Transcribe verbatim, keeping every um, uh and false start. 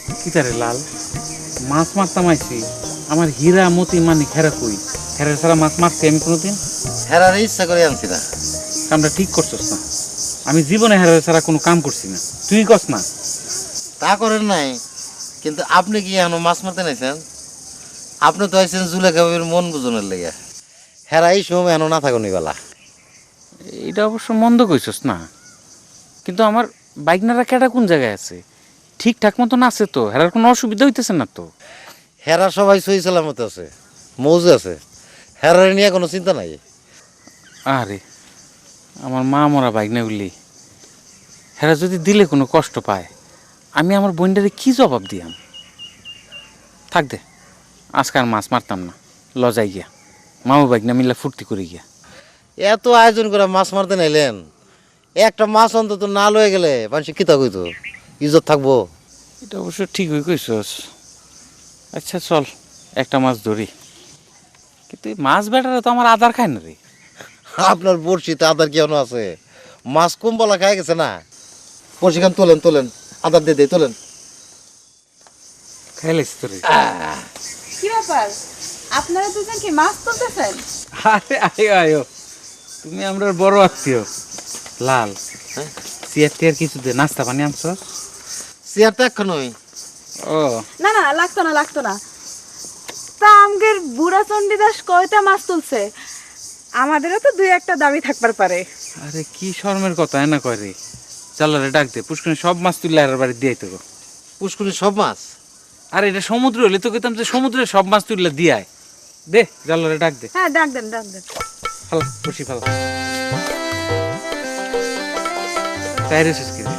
কি তারে লাল, মাছ মারতাম আইছি, আমার হীরা মতি মানিক হেরা কই? হেরা ছাড়া মাছ মারছি আমি কোনোদিন? হেরার ইচ্ছা করে আনছি না। কামটা ঠিক করছস না। আমি জীবনে হেরা ছাড়া কোনো কাম করছি না, তুই কস না? তা করেন নাই, কিন্তু আপনি কি এখনো মাছ মারতে নাইছেন? আপনি তো আইছেন জুলেখা বাবির মন বুঝনের লেগে। হেরা এই সময় এখনো না থাকুন বেলা। এটা অবশ্য মন্দ কইছস না, কিন্তু আমার বাইকনারা কেডা কোন জায়গায় আছে? ঠিকঠাক মতন আছে তো? হেরার কোনো অসুবিধা হইতেছে না তো? হেরা সবাই সহি সালামতে আছে, মৌজে আছে। হেরার নিয়ে কোনো চিন্তা নাই। আরে আমার মা মরা বাইকনাগুলি, হেরা যদি দিলে কোনো কষ্ট পায়, আমি আমার বোনটারে কি জবাব দিয়াম? থাক দে, আজকে আর মাছ মারতাম না, লজাই গিয়া মামু বাইকনা মিল্লা ফুর্তি করে গিয়া। এত আয়োজন করে মাছ মারতে নাইলেন, একটা মাছ অন্তত না লয়ে গেলে মানুষ কিতা কইতো, ইজ্জত থাকবো। এটা অবশ্য ঠিক হয়ে কইছস। আচ্ছা চল একটা মাছ ধরি, কিন্তু এই মাছ বেটারা তো আমার আদার খায় না রে। আপনার বড়শিতে আদার কি আছে? মাছ কুম্বলা খাই গেছে না। বড়শি খান তোলেন তোলেন, আদার দিয়ে দিয়ে তোলেন। খাইলাইছি তো রে। কি ব্যাপার, আপনারা দুজন কি মাছ তুলতেছেন? আরে আয়ো আয়ো, তুমি আমরা বড় আত্মীয়। লাল, চেয়ার টেয়ার কিছু দে, নাস্তা পানি আনছ? চেয়ার তো এক্ষণই। ও না না লাগতো না লাগতো না। তা আমগের বুড়া চণ্ডীদাস কয়টা মাছ তুলছে, আমাদেরও তো দুই একটা দাবি থাকবার পারে। আরে কি শর্মের কথা না কয় রে। চালারে ডাক দে, পুষ্করণী সব মাছ তুললে আর বাড়ি দিয়ে তো। পুষ্কুনি সব মাছ? আর এটা সমুদ্র হলে তো কইতাম যে সমুদ্রে সব মাছ তুললে দিয়ায়। দে জালারে ডাক দে। হ্যাঁ ডাক দেন ডাক দেন। ফালা বসি ফালা টায়ারে শেষ করে